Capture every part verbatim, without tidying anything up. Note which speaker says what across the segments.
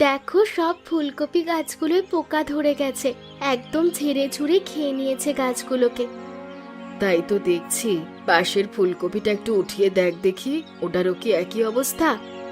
Speaker 1: দেখো সব ফুলকপি গাছগুলোয় পোকা ধরে গেছে, একদম ঝেড়ে ঝুড়ে খেয়ে নিয়েছে গাছগুলোকে।
Speaker 2: তাই তো দেখছি, পাশের ফুলকপিটা একটু উঠিয়ে দেখ দেখি, ওটারও কি একই অবস্থা?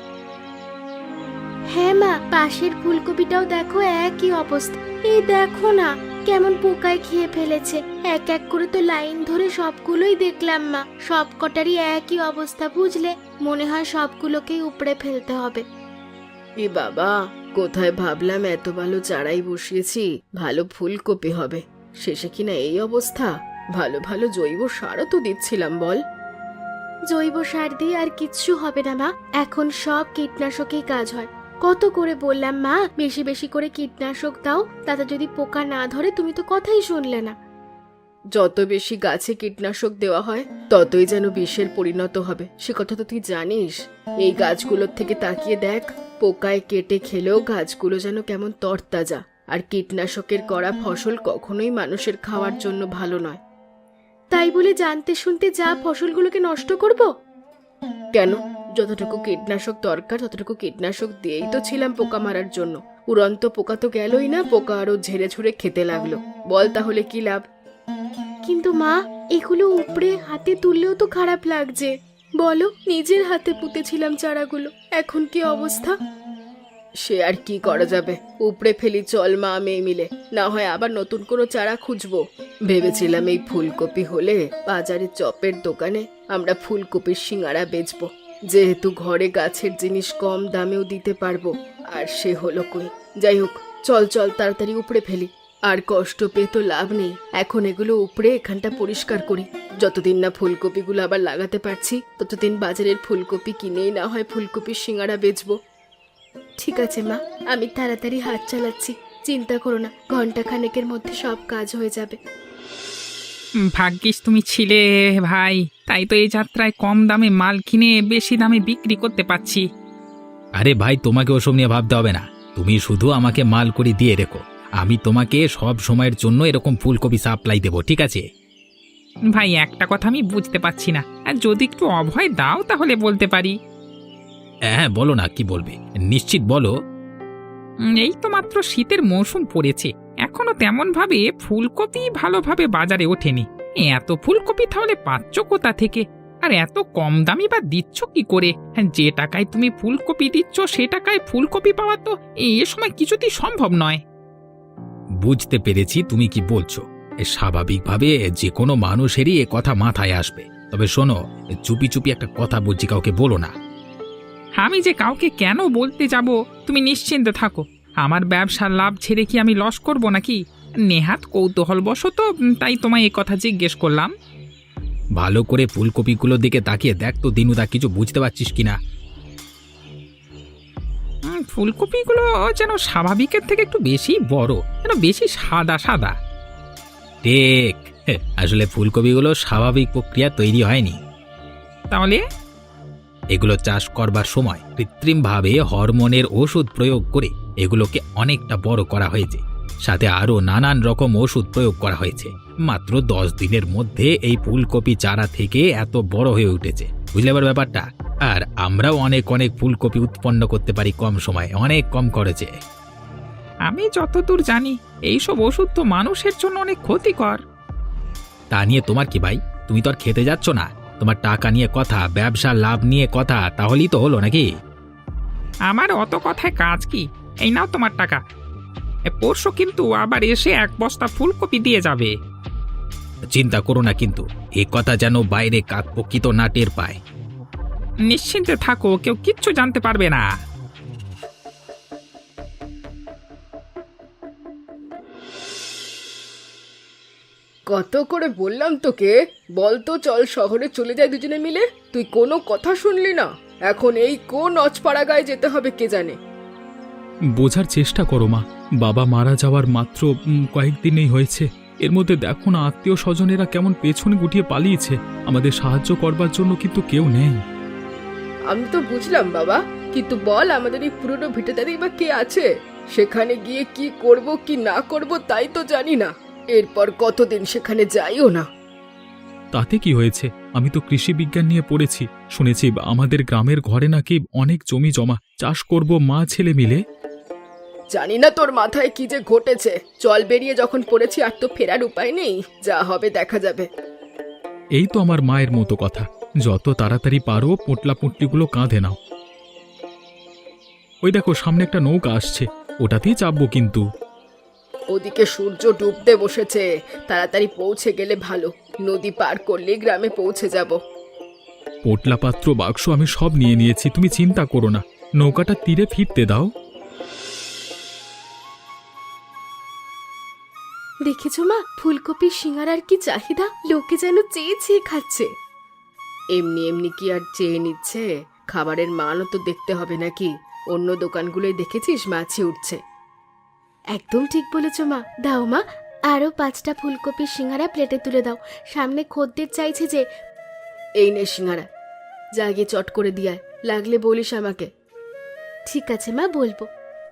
Speaker 1: হ্যাঁ মা, পাশের ফুলকপিটাও দেখো একই অবস্থা। এই দেখো না কেমন পোকায় খেয়ে ফেলেছে। এক এক করে তো লাইন ধরে সবগুলোই দেখলাম মা, সব কটারই একই অবস্থা। বুঝলে, মনে হয় সবগুলোকেই উপড়ে ফেলতে হবে।
Speaker 2: এ বাবা, কোথায় ভাবলাম এত ভালো চারাই বসিয়েছি, ভালো ফুলকপি হবে, শেষে কিনা এই অবস্থা। ভালো ভালো জৈব সারও তো দিচ্ছিলাম বল।
Speaker 1: জৈব সার দিয়ে আর কিচ্ছু হবে না মা, এখন সব কীটনাশকেই কাজ হয়। কত করে বললাম মা, বেশি বেশি করে কীটনাশক দাও, তাতে যদি পোকা না ধরে। তুমি তো কথাই শুনলে না।
Speaker 2: যত বেশি গাছে কীটনাশক দেওয়া হয় ততই যেন বিষের পরিণত হবে, সে কথা তো তুই জানিস। এই গাছগুলোর থেকে তাকিয়ে দেখ, পোকায় কেটে খেলেও গাছগুলো যেন কেমন তরতাজা। আর কীটনাশকের করা ফসল কখনোই মানুষের খাওয়ার জন্য ভালো নয়।
Speaker 1: তাই বলে জানতে শুনতে যা ফসলগুলোকে নষ্ট করব?
Speaker 2: কেন? যতটুকু কীটনাশক দরকার ততটুকু কীটনাশক দিয়েই তো ছিলাম পোকা মারার জন্য। উড়ন্ত পোকা তো গেলই না, পোকা আরো ঝেড়ে ঝুড়ে খেতে লাগলো। বল তাহলে কি লাভ?
Speaker 1: কিন্তু মা, এগুলো উপড়ে হাতে তুললেও তো খারাপ লাগছে। বলো, নিজের হাতে পুঁতেছিলাম চারাগুলো, এখন কি অবস্থা?
Speaker 2: সে আর কি করা যাবে, উপড়ে ফেলি চল মা মেয়ে মিলে, না হয় আবার নতুন কোনো চারা খুঁজবো। ভেবেছিলাম এই ফুলকপি হলে বাজারে চপের দোকানে আমরা ফুলকপির সিঙ্গারা বেচবো, যেহেতু ঘরে গাছের জিনিস কম দামেও দিতে পারবো। আর সে হলো কই। যাই হোক, চল চল তাড়াতাড়ি উপড়ে ফেলি। আর কষ্ট পেয়ে তো লাভ নেই, এখন এগুলো উপড়ে এখানটা পরিষ্কার করি। যতদিন না ফুলকপিগুলো আবার লাগাতে পারছি ততদিন বাজারের ফুলকপি কিনেই না হয় ফুলকপির সিঙ্গারা বেচবো।
Speaker 1: ঠিক আছে মা, আমি তাড়াতাড়ি হাত চালাচ্ছি, চিন্তা করো না, ঘন্টা খানেকের মধ্যে সব কাজ হয়ে যাবে।
Speaker 3: ভাগ্যিস তুমি ছিলে ভাই, তাই তো এই যাত্রায় কম দামে মাল কিনে বেশি দামে বিক্রি করতে পারছি।
Speaker 4: আরে ভাই, তোমাকে ওসব নিয়ে ভাবতে হবে না, তুমি শুধু আমাকে মাল করে দিয়ে রেখো, আমি তোমাকে সব সময়ের জন্য এরকম ফুলকপি সাপ্লাই দেবো, ঠিক আছে?
Speaker 3: ভাই, একটা কথা আমি বুঝতে পারছি না, আর যদি একটু অভয় দাও তাহলে বলতে পারি।
Speaker 4: হ্যাঁ বলো না, কি বলবে, নিশ্চিত বলো।
Speaker 3: উম, এই তো মাত্র শীতের মৌসুম পড়েছে, এখনো তেমন ভাবে ফুলকপি ভালোভাবে বাজারে ওঠেনি। এত ফুলকপি তাহলে পাচ্ছ কোথা থেকে? আর এত কম দামি বা দিচ্ছ কি করে? হ্যাঁ, যে টাকায় তুমি ফুলকপি দিচ্ছ সে টাকায় ফুলকপি পাওয়া তো এ সময় কিছুতেই সম্ভব নয়।
Speaker 4: বুঝতে পেরেছি তুমি কি বলছো, এ স্বাভাবিকভাবে যে কোনো মানুষেরই এ কথা মাথায় আসবে। তবে শোনো, চুপি চুপি একটা কথা বলছি, কাউকে বলো না।
Speaker 3: আমি যে কাউকে কেন বলতে যাব, তুমি নিশ্চিন্ত থাকো। আমার ব্যবসার লাভ ছেড়ে কি আমি লস করব নাকি? নেহাত কৌতূহলবশত তাই তোমায় এই কথা জিজ্ঞেস করলাম।
Speaker 4: ভালো করে ফুলকপিগুলোর দিকে তাকিয়ে দেখ তো দিনুদা, কিছু বুঝতে পারছিস কিনা?
Speaker 3: উম, ফুলকপিগুলো যেন স্বাভাবিকের থেকে একটু বেশি বড়, যেন বেশি সাদা সাদা।
Speaker 4: ঠিক, আসলে ফুলকপিগুলো স্বাভাবিক প্রক্রিয়া তৈরি হয়নি।
Speaker 3: তাহলে
Speaker 4: এগুলো চাষ করবার সময় কৃত্রিমভাবে হরমোনের ওষুধ প্রয়োগ করে এগুলোকে অনেকটা বড় করা হয়েছে, সাথে আরও নানান রকম ওষুধ প্রয়োগ করা হয়েছে। মাত্র দশ দিনের মধ্যে এই ফুলকপি চারা থেকে এত বড় হয়ে উঠেছে, বুঝলে এবার ব্যাপারটা? আর আমরাও অনেক অনেক ফুলকপি উৎপন্ন করতে পারি কম সময়ে, অনেক কম খরচে।
Speaker 3: আমি যতদূর জানি এইসব ওষুধ তো মানুষের জন্য অনেক ক্ষতিকর।
Speaker 4: তা নিয়ে তোমার কি ভাই? তুমি তো আর খেতে যাচ্ছ না, তোমার টাকা নিয়ে কথা, ব্যবসার লাভ নিয়ে কথা, তাহলেই তো হলো নাকি?
Speaker 3: আমার অত কথায় কাজ কি? এই নাও তোমার টাকা। এ, পরশু কিন্তু আবার এসে এক বস্তা ফুলকপি দিয়ে যাবে।
Speaker 4: চিন্তা করো না কিন্তু, এ কথা যেন বাইরে কাকপক্ষিত না টের পায়।
Speaker 3: নিশ্চিন্তে থাকো, কেউ কিচ্ছু জানতে পারবে না।
Speaker 2: কত করে বললাম তোকে, বল তো চল শহরে চলে যাই দুজনে মিলে, তুই কোনো কথা শুনলি না। এখন এই কোন অজপাড়া গায়ে যেতে হবে কে জানে।
Speaker 5: বোঝার চেষ্টা করো মা, বাবা মারা যাওয়ার মাত্র উম, কয়েকদিনেই হয়েছে, এর মধ্যে দেখো না আত্মীয় স্বজনেরা কেমন পেছনে গুটিয়ে পালিয়েছে, আমাদের সাহায্য করবার জন্য কিন্তু কেউ নেই।
Speaker 2: আমি তো বুঝলাম বাবা, কিন্তু বল আমাদের এই পুরনো ভিটেদারি বা কে আছে? সেখানে গিয়ে কি করব কি না করব তাই তো জানি না। এরপর কতদিন সেখানে যাইও না।
Speaker 5: তাতে কি হয়েছে, আমি তো কৃষি বিজ্ঞান নিয়ে পড়েছি, শুনেছি আমাদের গ্রামের ঘরে নাকি অনেক জমি জমা, চাষ করব মা ছেলে মিলে।
Speaker 2: জানি না তোর মাথায় কি যে ঘটেছে। জল বেরিয়ে যখন পড়েছি আর তো ফেরার উপায় নেই, যা হবে দেখা যাবে।
Speaker 5: এই তো আমার মায়ের মতো কথা, যত তাড়াতাড়ি পারো পোটলা পুটলিগুলো কাঁধে নাও। ওই দেখো সামনে একটা নৌকা আসছে, ওটাতেই চাপবো কিন্তু।
Speaker 2: ওদিকে সূর্য ডুবতে বসেছে, তাড়াতাড়ি পৌঁছে গেলে ভালো। নদী পার করলে গ্রামে পৌঁছে যাব।
Speaker 5: পোটলা পাত্র বাক্স আমি সব নিয়ে নিয়েছি, তুমি চিন্তা করো না। নৌকাটা তীরে ফিরতে দাও।
Speaker 1: দেখেছো মা, ফুলকপির সিঙ্গারার কি চাহিদা, লোকে যেন চেয়ে চেয়ে খাচ্ছে।
Speaker 2: এমনি এমনি কি আর চেয়ে নিচ্ছে? খাবারের মানও তো দেখতে হবে নাকি? অন্য দোকানগুলোই দেখেছিস মাছি উঠছে।
Speaker 1: একদম ঠিক বলেছো মা। দাও মা, আরো পাঁচটা ফুলকপির সিঙ্গারা প্লেটে তুলে দাও। সামনে খদ্দের চাইছে যে।
Speaker 2: এই নে সিঙ্গারা, যা গিয়ে চট করে দিয়ে আয়, লাগলে বলিস আমাকে।
Speaker 1: ঠিক আছে মা, বলবো।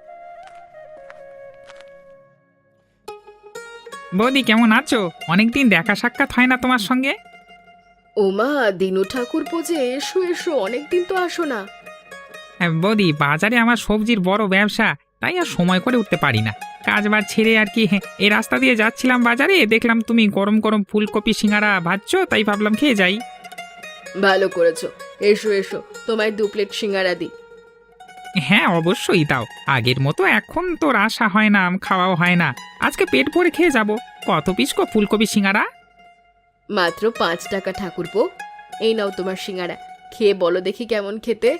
Speaker 3: বৌদি কেমন আছো? অনেকদিন দেখা সাক্ষাৎ হয় না তোমার সঙ্গে।
Speaker 2: ওমা, দিনু ঠাকুর পোজে, এসো এসো, অনেকদিন তো আসো না।
Speaker 3: হ্যাঁ, বৌদি বাজারে আমার সবজির বড় ব্যবসা, তাই আর সময় করে উঠতে পারি না। কাজ বাজ ছেড়ে আর কি হ্যাঁ, এই রাস্তা দিয়ে যাচ্ছিলাম বাজারে, দেখলাম তুমি গরম গরম ফুলকপি সিঙ্গারা ভাজছো, তাই ভাবলাম খেয়ে যাই।
Speaker 2: ভালো করেছো, এসো এসো, তোমায় দু প্লেট সিঙ্গারা দিই।
Speaker 3: হ্যাঁ অবশ্যই দাও। আগের মতো এখন তোর আশা হয় না, খাওয়াও হয় না। আজকে পেট ভরে খেয়ে যাব। কত পিস গো ফুলকপি সিঙ্গারা?
Speaker 2: মাত্র পাঁচ টাকা ঠাকুরপো। এই নাও তোমার সিঙ্গারা, খেয়ে বলো দেখি কেমন খেতে।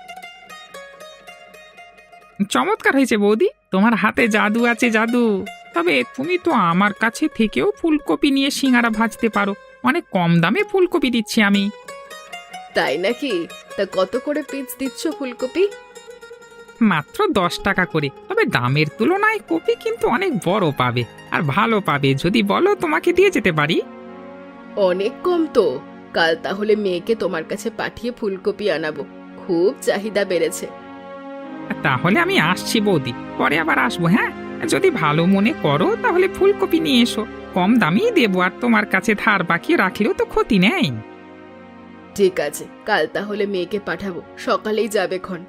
Speaker 3: চমৎকার হয়েছে বৌদি, তোমার হাতে জাদু আছে জাদু। তবে তুমি তো আমার কাছে থেকেও ফুলকপি নিয়ে সিঙ্গারা ভাজতে পারো। অনেক কম দামে ফুলকপি দিচ্ছি আমি।
Speaker 2: তাই নাকি? তা কত করে পিস দিচ্ছ ফুলকপি?
Speaker 3: মাত্র দশ টাকা করে। তবে দামের তুলনায় কপি কিন্তু অনেক বড় পাবে আর ভালো পাবে। যদি বলো তোমাকে দিয়ে যেতে পারি।
Speaker 2: অনেক কম তো। কাল তাহলে মেয়েকে তোমার কাছে পাঠিয়ে ফুলকপি আনাবো, খুব চাহিদা বেড়েছে।
Speaker 3: তাহলে আমি আসছি বৌদি, পরে আবার আসবো। হ্যাঁ, যদি ভালো মনে করো তাহলে ফুলকপি নিয়ে এসো। কম দামেই দেবো, আর তোমার কাছে ধার বাকি রাখলেও তো ক্ষতি নেই।
Speaker 2: ঠিক আছে, কাল তাহলে মেয়েকে পাঠাবো, সকালেই যাবে খন।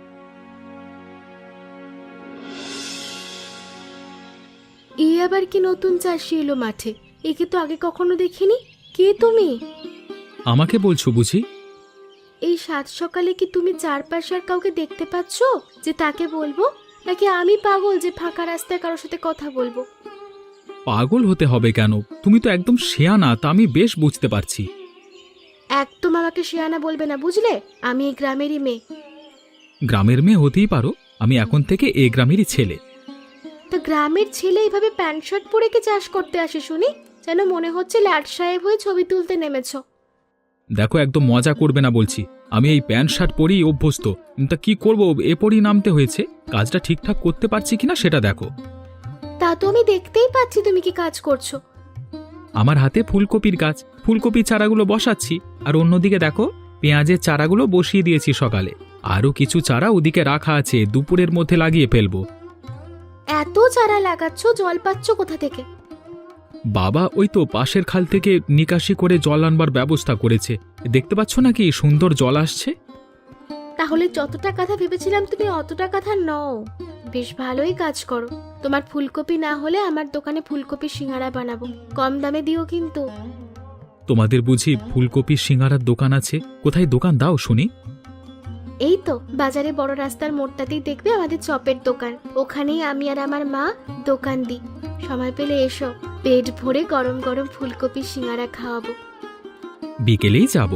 Speaker 1: এই আবার কি নতুন চাষি এলো মাঠে? একে তো আগে কখনো দেখিনি। কে তুমি?
Speaker 5: আমাকে বলছো বুঝি?
Speaker 1: এই সাত সকালে কি তুমি চারপাশে আর কাউকে দেখতে পাচ্ছ যে তাকে বলবো, নাকি আমি পাগল যে ফাঁকা রাস্তায় কারোর সাথে কথা বলবো?
Speaker 5: পাগল হতে হবে কেন? তুমি তো একদম শেয়ানা, তা আমি বেশ বুঝতে পারছি।
Speaker 1: একদম আমাকে শেয়ানা বলবে না, বুঝলে? আমি এই গ্রামেরই মেয়ে।
Speaker 5: গ্রামের মেয়ে হতেই পারো, আমি এখন থেকে এই গ্রামেরই ছেলে।
Speaker 1: তা গ্রামের ছেলে এইভাবে প্যান্ট শার্ট পরে কি চাষ করতে আসে শুনি? যেন মনে হচ্ছে ল্যাট সাহেব হয়ে ছবি তুলতে নেমেছ।
Speaker 5: দেখো, একদম মজা করবে না বলছি। আমি এই প্যান্ট শার্ট পরেই অভ্যস্ত। তা কি করবো, এ পরেই নামতে হয়েছে। কাজটা ঠিকঠাক করতে পারছি কিনা সেটা দেখো।
Speaker 1: তা তো আমি দেখতেই পাচ্ছি তুমি কি কাজ করছো।
Speaker 5: আমার হাতে ফুলকপির গাছ, ফুলকপির চারাগুলো বসাচ্ছি। আর অন্যদিকে দেখো, পেঁয়াজের চারাগুলো বসিয়ে দিয়েছি সকালে। আরও কিছু চারা ওদিকে রাখা আছে, দুপুরের মধ্যে লাগিয়ে ফেলবো।
Speaker 1: এত চারা লাগাচ্ছ, জল পাচ্ছ কোথা থেকে?
Speaker 5: বাবা ওই তো পাশের খাল থেকে নিকাশি করে জল আনবার ব্যবস্থা করেছে। দেখতে পাচ্ছ না কি সুন্দর জল আসছে?
Speaker 1: তাহলে যতটা কথা ভেবেছিলাম তুমি অতটা কথা নও। বেশ ভালোই কাজ করো। তোমার ফুলকপি না হলে আমার দোকানে ফুলকপি সিঙ্গারা বানাবো, কম দামে দিও কিন্তু।
Speaker 5: তোমাদের বুঝি ফুলকপির সিঙ্গারার দোকান আছে? কোথায় দোকান দাও শুনি?
Speaker 1: এই তো বাজারে বড় রাস্তার মোড়টাতেই দেখবে আমাদের চপের দোকান। ওখানেই আমি আর আমার মা দোকান দিই। সময় পেলে এসো, পেট ভরে গরম গরম ফুলকপি সিঙ্গারা খাওয়াবো।
Speaker 5: বিকেলেই যাব।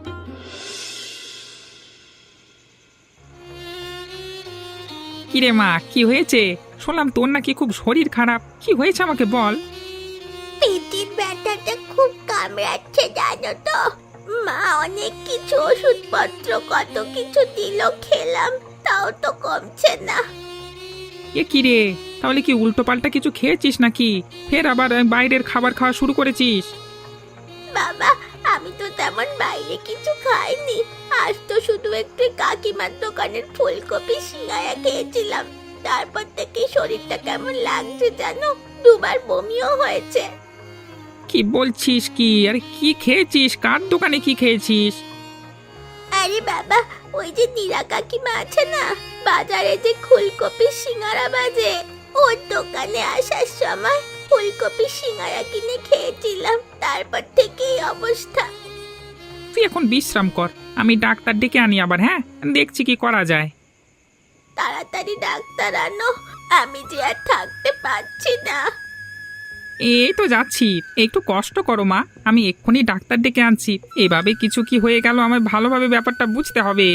Speaker 3: কিরে মা, কি হয়েছে? শুনলাম তোর নাকি খুব শরীর খারাপ। কি হয়েছে আমাকে বল।
Speaker 1: পেটের ব্যথাটা খুব কামড়াচ্ছে জানো তো। মা অনেক কিছু ওষুধপত্র কত কিছু দিল, খেলাম, তাও তো কমছে না।
Speaker 3: এ কি রে, তাহলে কি উল্টো পাল্টা কিছু খেয়েছিস নাকি? ফের আবার বাইরের খাবার খাওয়া শুরু করেছিস?
Speaker 1: বাবা, আমি তো তেমন বাইরে কিছু খাইনি। আজ তো শুধু একটু কাকিমার দোকানের ফুলকপি সিঙ্গারা খেয়েছিলাম। তারপর থেকে শরীরটা কেমন লাগছে জানো, দুবার বমিও হয়েছে।
Speaker 3: কি বলছিস কি? আরে কি খেয়েছিস? কার দোকানে কি খেয়েছিস?
Speaker 1: আরে বাবা, ওই যে নীরা কাকিমা আছে না, বাজারে যে ফুলকপি সিঙ্গারা বাজে, ওর দোকানে আসার সময় ফুলকপি সিঙ্গারা কিনে খেয়েছিলাম, তারপর থেকে এই অবস্থা।
Speaker 3: তুই এখন বিশ্রাম কর, আমি ডাক্তার ডেকে আনি আবার। হ্যাঁ, দেখছি কি করা যায়।
Speaker 1: তাড়াতাড়ি ডাক্তার আনো, আমি যে আর থাকতে পারছি না।
Speaker 3: এই তো যাচ্ছি, একটু কষ্ট করো মা, আমি এক্ষুনি ডাক্তার ডেকে আনছি। এভাবে কিছু কি হয়ে গেল, আমার ভালোভাবে ব্যাপারটা বুঝতে হবে।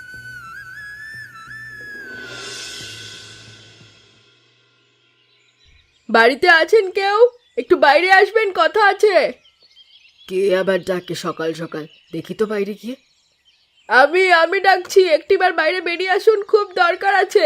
Speaker 2: বাড়িতে আছেন কেউ? একটু বাইরে আসবেন, কথা আছে। কে আবার ডাকে সকাল সকাল? দেখি তো বাইরে গিয়ে। আমি আমি ডাকছি, একটিবার বাইরে বেরিয়ে আসুন, খুব দরকার আছে।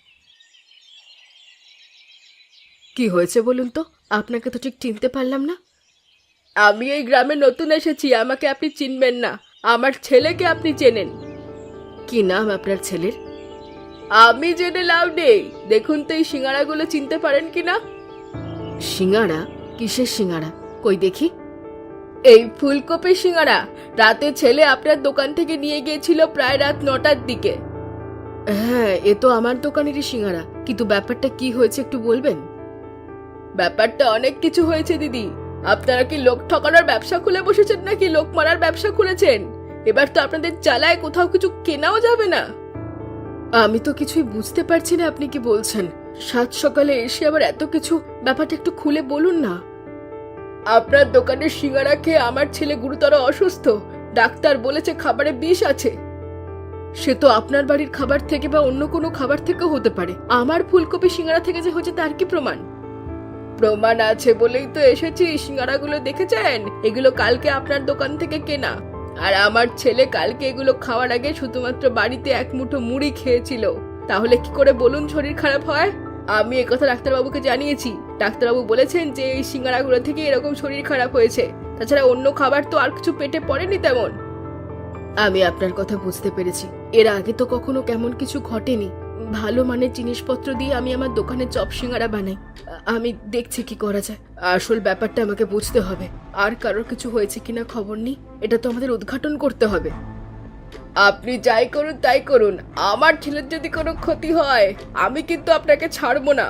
Speaker 2: কি হয়েছে বলুন তো? আপনাকে তো ঠিক চিনতে পারলাম না। আমি এই গ্রামে নতুন এসেছি, আমাকে আপনি চিনবেন না, আমার ছেলেকে আপনি চেনেন। কি নাম আপনার ছেলের? আমি জেনে লাভ নেই, দেখুন তো এই সিঙ্গারাগুলো চিনতে পারেন কিনা। সিঙ্গারা? কিসের সিঙ্গারা? কই দেখি। এই ফুলকপি সিঙ্গারা রাতে ছেলে আপনার দোকান থেকে নিয়ে গিয়েছিল প্রায় রাত নটার দিকে। হ্যাঁ, এ তো আমার দোকানেরই সিঙ্গারা, কিন্তু ব্যাপারটা কি হয়েছে একটু বলবেন? ব্যাপারটা অনেক কিছু হয়েছে দিদি। আপনারা কি লোক ঠকানোর ব্যবসা খুলে বসেছেন নাকি লোক মারার ব্যবসা খুলেছেন? এবার তো আপনাদের চালায় কোথাও কিছু কেনাও যাবে না। আমি তো কিছুই বুঝতে পারছি না আপনি কি বলছেন। সাত সকালে এসে আবার এত কিছু, ব্যাপারটা একটু খুলে বলুন না। আপনার দোকানের সিঙ্গারা খেয়ে আমার ছেলে গুরুতর অসুস্থ, ডাক্তার বলেছে খাবারে বিষ আছে। সে তো আপনার বাড়ির খাবার থেকে বা অন্য কোনো খাবার থেকেও হতে পারে, আমার ফুলকপি সিঙ্গারা থেকে যে হচ্ছে তার কি প্রমাণ? প্রমাণ আছে বলেই তো এসেছি। সিঙ্গারাগুলো দেখেছেন? এগুলো কালকে আপনার দোকান থেকে কেনা, আর আমার ছেলে কালকে এগুলো খাওয়ার আগে শুধুমাত্র বাড়িতে এক মুঠো মুড়ি খেয়েছিল। তাহলে কি করে বলুন শরীর খারাপ হয়? আমি একথা ডাক্তারবাবুকে জানিয়েছি, ডাক্তারবাবু বলেছেন যে এই সিঙ্গারাগুলো থেকে এরকম শরীর খারাপ হয়েছে, তাছাড়া অন্য খাবার তো আর কিছু পেটে পড়েনি তেমন। আমি আপনার কথা বুঝতে পেরেছি, এর আগে তো কখনো কেমন কিছু ঘটেনি। ভালো মানের জিনিসপত্র দিয়ে আমি আমার দোকানে চপ সিঙ্গারা বানাই, আমি দেখছি কি করা যায়। আসল ব্যাপারটা আমাকে বুঝতে হবে, আর কারোর কিছু হয়েছে কিনা খবর নেই, এটা তো আমাদের উদ্ঘাটন করতে হবে। আপনি যাই করুন তাই করুন, আমার ছেলের যদি কোনো ক্ষতি হয় আমি কিন্তু আপনাকে ছাড়বো না।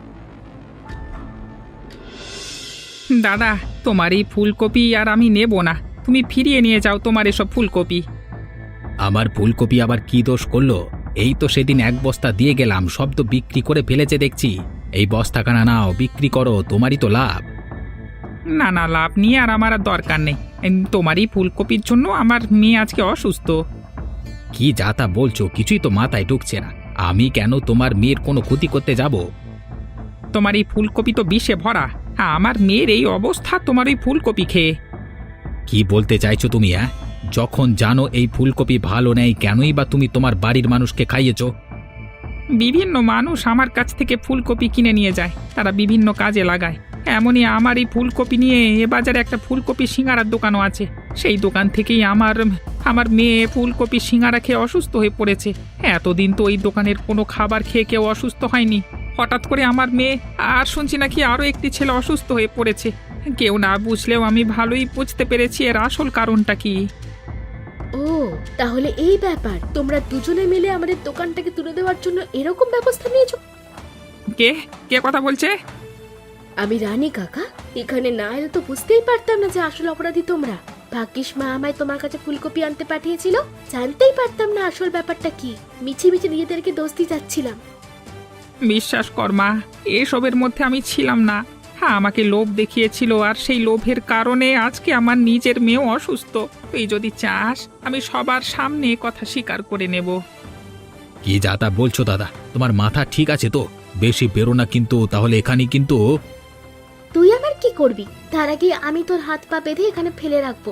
Speaker 3: দাদা, তোমার এই ফুলকপি আর আমি নেব না, তুমি ফিরিয়ে নিয়ে যাও তোমার এসব ফুলকপি।
Speaker 4: আমার ফুলকপি আবার কি দোষ করলো? এই তো সেদিন এক বস্তা দিয়ে গেলাম, সব তো বিক্রি করে ফেলেছে দেখছি। এই বস্তাখানা নাও, বিক্রি করো, তোমারই তো লাভ।
Speaker 3: না না, লাভ নিয়ে আর আমার আর দরকার নেই। এম, তোমারই ফুলকপির জন্য আমার মেয়ে আজকে অসুস্থ।
Speaker 4: কি যা তা বলছো, কিছুই তো মাথায় ঢুকছে না। আমি কেন তোমার মেয়ের কোনো ক্ষতি করতে যাব?
Speaker 3: তোমার এই ফুলকপি তো বিষে ভরা, আমার মেয়ের এই অবস্থা তোমার ওই ফুলকপি খেয়ে।
Speaker 4: কি বলতে চাইছো তুমি? হ্যাঁ, যখন জানো এই ফুলকপি ভালো নেই, কেনই বা তুমি তোমার বাড়ির মানুষকে খাইয়েছো?
Speaker 3: বিভিন্ন মানুষ আমার কাছ থেকে ফুলকপি কিনে নিয়ে যায়, তারা বিভিন্ন কাজে লাগায়। এমনই আমার এই ফুলকপি নিয়ে এ বাজারে একটা ফুলকপি সিঙ্গারার দোকানও আছে, সেই দোকান থেকেই আমার আমার মেয়ে ফুলকপি সিঙ্গারা খেয়ে অসুস্থ হয়ে পড়েছে। এতদিন তো ওই দোকানের কোনো খাবার খেয়ে কেউ অসুস্থ হয়নি, হঠাৎ করে আমার মেয়ে, আর শুনছি নাকি আরও একটি ছেলে অসুস্থ হয়ে পড়েছে। কেউ না বুঝলেও আমি ভালোই বুঝতে পেরেছি এর আসল কারণটা কি।
Speaker 1: ও, তাহলে এই ব্যাপার, তোমরা দুজনে মিলে আমাদের দোকানটাকে তুলে দেওয়ার জন্য এরকম ব্যবস্থা নিয়েছো?
Speaker 3: কে কে কথা বলছে?
Speaker 1: আমি রানী কাকা, এখানে না এলে তো বুঝতেই পারতাম না যে আসল অপরাধী তোমরা। ভাগ্যিস মা আমায় তোমার কাছে ফুলকপি আনতে পাঠিয়েছিল, জানতেই পারতাম না আসল ব্যাপারটা কি। মিছি মিছি নিজেদেরকে দোষ দিয়ে যাচ্ছিলাম।
Speaker 3: বিশ্বাস কর মা, এসবের মধ্যে আমি ছিলাম না। হ্যাঁ, আমাকে লোভ দেখিয়েছিল, আর সেই লোভের কারণে আজকে আমার নিজের মেয়েও অসুস্থ। তুই যদি চাস আমি সবার সামনে কথা স্বীকার করে নেব।
Speaker 4: কি যা তা বলছো দাদা? তোমার মাথা ঠিক আছে তো? বেশি বেরো না কিন্তু, তাহলে এখানে কিন্তু।
Speaker 1: তুই আমার কি করবি? তার আগে আমি তোর হাত পা বেঁধে এখানে ফেলে রাখবো।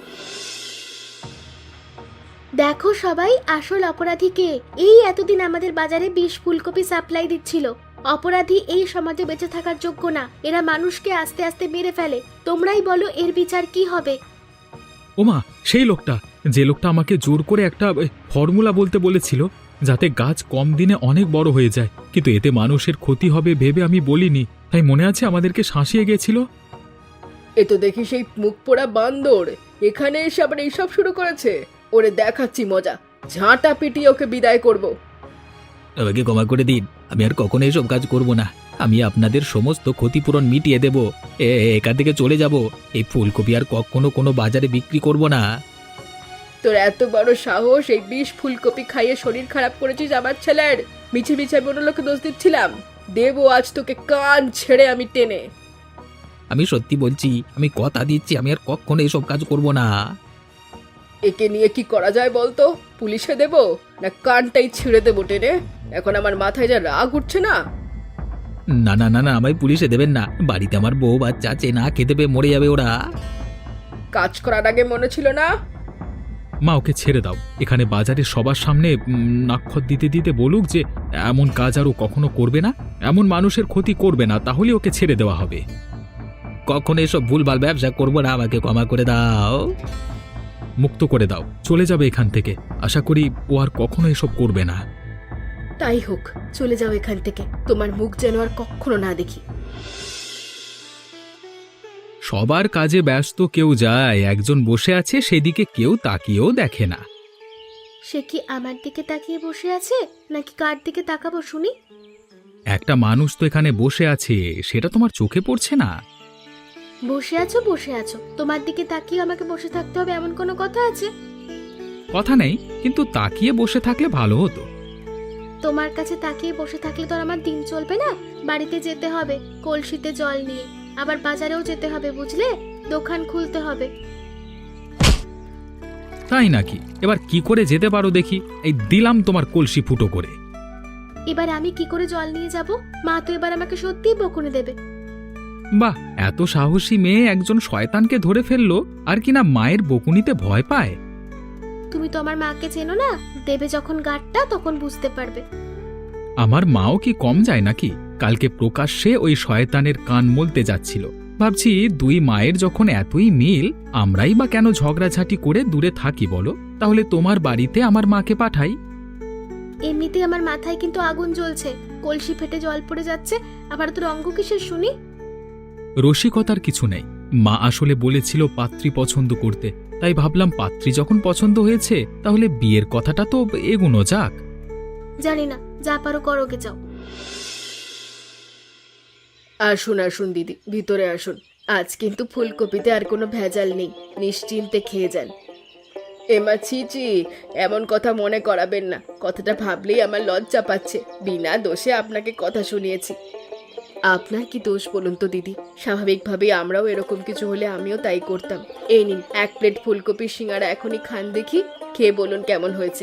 Speaker 1: দেখো সবাই, আসল অপরাধীকে। এই এতদিন আমাদের বাজারে বিশ ফুলকপি সাপ্লাই দিচ্ছিল। অপরাধী এই সমাজে বেঁচে থাকার যোগ্য না, এরা মানুষকে আস্তে আস্তে মেরে ফেলে। তোমরাই বলো এর বিচার কি হবে?
Speaker 5: ওমা, সেই লোকটা, যে লোকটা আমাকে জোর করে একটা ফর্মুলা বলতে বলেছিল যাতে গাছ কম দিনে অনেক বড় হয়ে যায়, কিন্তু এতে মানুষের ক্ষতি হবে ভেবে আমি বলিনি। তাই মনে আছে আমাদেরকে শাসিয়ে গেছিল।
Speaker 2: এ তো দেখি সেই মুখ পোড়া বান্দর এখানে এসে আবার এইসব শুরু করেছে। ওরে দেখাচ্ছি মজা, ঝাঁটা পিটিয়ে ওকে বিদায় করব।
Speaker 4: আমাকে ক্ষমা করে দিন, আমি আর কখনো এসব কাজ করব না। আমি আপনাদের সমস্ত ক্ষতিপূরণ মিটিয়ে দেব। এ এখান থেকে চলে যাব। এই ফুলকপি আর কখনো কোনো বাজারে বিক্রি করব না।
Speaker 2: তোর এত বড় সাহস, এই বিষ ফুলকপি খাইয়ে শরীর খারাপ করেছিস আমার ছেলের। মিছে মিছে আমি অন্য লোককে দোষ দিচ্ছিলাম। দেবো আজ তোকে কান ছেড়ে আমি টেনে।
Speaker 4: আমি সত্যি বলছি, আমি কথা দিচ্ছি আমি আর কখনো এসব কাজ করব না।
Speaker 2: একে নিয়ে কি করা যায় বলতো? পুলিশে দেব না কানটাই ছিঁড়ে দেবো টেনে? এখন আমার মাথায় যা রাগ উঠছে না।
Speaker 4: না না না না, আমায় পুলিশে দেবেন না। বাড়িতে আমার বউ বাচ্চা আছে, না খেতে পেয়ে মরে যাবে ওরা।
Speaker 2: কাজ করার আগে মনে ছিল না?
Speaker 5: মা, ওকে ছেড়ে দাও। এখানে বাজারে সবার সামনে উম, নাক্ষর দিতে দিতে বলুক যে এমন কাজ আর ও কখনো করবে না, এমন মানুষের ক্ষতি করবে না, তাহলে ওকে ছেড়ে দেওয়া হবে।
Speaker 4: কখনো এসব ভুলভাল ব্যবসা করব না, আমাকে ক্ষমা করে দাও।
Speaker 5: মুক্ত করে দাও, চলে যাবে এখান থেকে। আশা করি ও আর কখনো এসব করবে না।
Speaker 1: তাই হোক, চলে যাও এখান থেকে। তোমার মুখ যেন আর কখনো না দেখি।
Speaker 5: সবার কাজে ব্যস্ত কেউ যায়, একজন বসে আছে সেদিকে কেউ তাকিয়েও দেখে না।
Speaker 1: সে কি আমার দিকে তাকিয়ে বসে আছে, নাকি কার দিকে তাকাবো শুনি?
Speaker 5: একটা মানুষ তো এখানে বসে আছে, সেটা তোমার চোখে পড়ছে না?
Speaker 1: বসে আছো বসে আছো, তোমার দিকে তাকিয়ে আমাকে বসে থাকতে হবে এমন কোনো কথা আছে?
Speaker 5: কথা নেই, কিন্তু তাকিয়ে বসে থাকলে ভালো হতো।
Speaker 1: তোমার কাছে তাকিয়ে বসে থাকলে তো আর আমার দিন চলবে না। বাড়িতে যেতে হবে কলসিতে জল নিয়ে, আবার বাজারেও যেতে হবে, বুঝলে? দোকান খুলতে হবে।
Speaker 5: তাই নাকি? এবার কি করে যেতে পারো দেখি? এই দিলাম তোমার কলসি ফুটো করে।
Speaker 1: এবার আমি কি করে জল নিয়ে যাব? মা তো এবার আমাকে সত্যিই বকুনি দেবে।
Speaker 5: বাহ, এত সাহসী মেয়ে একজন শয়তানকে ধরে ফেললো, আর কিনা মায়ের বকুনিতে ভয় পায়।
Speaker 1: তুমি তো আমার মাকে চেনো না, দেবে যখন গাঁটটা তখন বুঝতে পারবে।
Speaker 5: আমার মাও কি কম যায় নাকি? কালকে প্রকাশ্যে ওই শয়তানের কান মলতে যাচ্ছিল। ভাবছি দুই মায়ের যখন এতই মিল, আমরাই বা কেন ঝগড়াঝাটি করে দূরে থাকি বলো? তাহলে তোমার বাড়িতে আমার মাকে পাঠাই।
Speaker 1: এমনিতে আমার মাথায় কিন্তু আগুন জ্বলছে, কলসি ফেটে জল পড়ে যাচ্ছে, আবার তো রঙ্গ কিসের শুনি?
Speaker 5: রসিকতার কিছু নেই। মা আসলে বলেছিল পাত্রী পছন্দ করতে, তাই ভাবলাম পাত্রী যখন পছন্দ হয়েছে তাহলে বিয়ের কথাটা তো এগোনো যাক।
Speaker 1: জানি না, যা পারো করোগে যাও।
Speaker 2: আসুন আসুন দিদি, ভিতরে আসুন। আজ কিন্তু ফুলকপিতে আর কোনো ভেজাল নেই, নিশ্চিন্তে খেয়ে যান। এমা ছিচি, এমন কথা মনে করাবেন না। কথাটা ভাবলেই আমার লজ্জা পাচ্ছে। বিনা দোষে আপনাকে কথা শুনিয়েছি। আপনার কি দোষ বলুন তো দিদি? স্বাভাবিকভাবেই আমরাও এরকম কিছু হলে আমিও তাই করতাম। এই নিন এক প্লেট ফুলকপির সিঙ্গারা, এখনই খান দেখি। খেয়ে বলুন কেমন হয়েছে।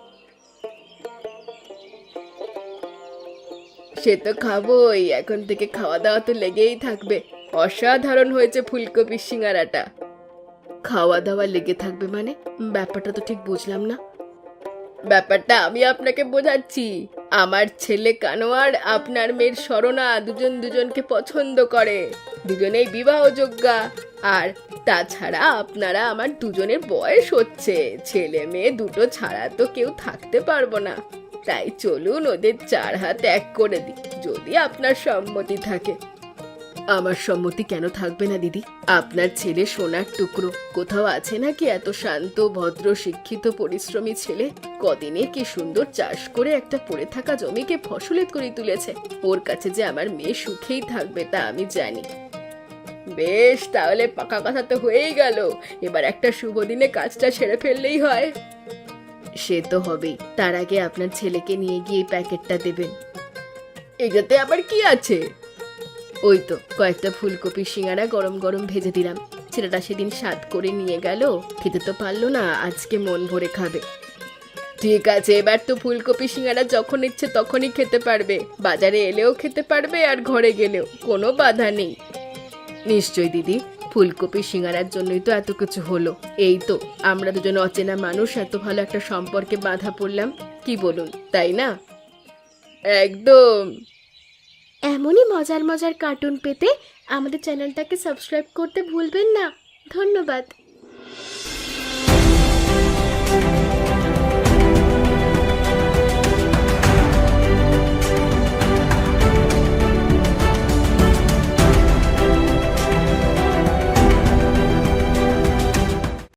Speaker 2: সে তো খাবোই, এখন থেকে খাওয়া দাওয়া তো লেগেই থাকবে। অসাধারণ হয়েছে ফুলকপির সিঙ্গারাটা। খাওয়া দাওয়া লেগে থাকবে মানে? ব্যাপারটা তো ঠিক বুঝলাম না। ব্যাপারটা আমি আপনাকে বোঝাচ্ছি। আমার ছেলে কানোয়ার, আপনার মেয়ের স্মরণা দুজন দুজনকে পছন্দ করে, দুজনেই বিবাহযোগ্যা। আর তাছাড়া আপনারা আমার দুজনের বয়স হচ্ছে, ছেলে মেয়ে দুটো ছাড়া তো কেউ থাকতে পারবো না। তাই চলুন ওদের চার হাত এক করে দিই, যদি আপনার সম্মতি থাকে। আমার সম্মতি কেন থাকবে না দিদি? আপনার ছেলে সোনার টুকরো, কোথাও আছে নাকি এত শান্ত ভদ্র শিক্ষিত পরিশ্রমী ছেলে? কদিনে কি সুন্দর চাষ করে একটা পড়ে থাকা জমিকে ফসলের করে তুলেছে। ওর কাছে যে আমার মেয়ে সুখেই থাকবে তা আমি জানি। বেশ, তাহলে পাকা কথা তো হয়েই গেল। এবার একটা শুভ দিনে কাজটা সেরে ফেললেই হয়। সে তো হবেই, তার আগে আপনার ছেলেকে নিয়ে গিয়ে এই প্যাকেটটা দেবেন। এটাতে আবার কি আছে? ওই তো কয়েকটা ফুলকপির সিঙ্গারা গরম গরম ভেজে দিলাম। ছেলেটা সেদিন স্বাদ করে নিয়ে গেল, খেতে তো পারলো না, আজকে মন ভরে খাবে। ঠিক আছে, এবার তো ফুলকপি সিঙ্গারা যখন ইচ্ছে তখনই খেতে পারবে। বাজারে এলেও খেতে পারবে আর ঘরে গেলেও, কোনো বাধা নেই। নিশ্চয় দিদি, ফুলকপি সিঙ্গারার জন্যই তো এত কিছু হলো। এই তো আমরা দুজন অচেনা মানুষ এত ভালো একটা সম্পর্কে বাঁধা পড়লাম, কি বলুন, তাই না? একদম।
Speaker 1: এমনই মজার মজার কার্টুন পেতে আমাদের চ্যানেলটাকে সাবস্ক্রাইব করতে ভুলবেন না। ধন্যবাদ।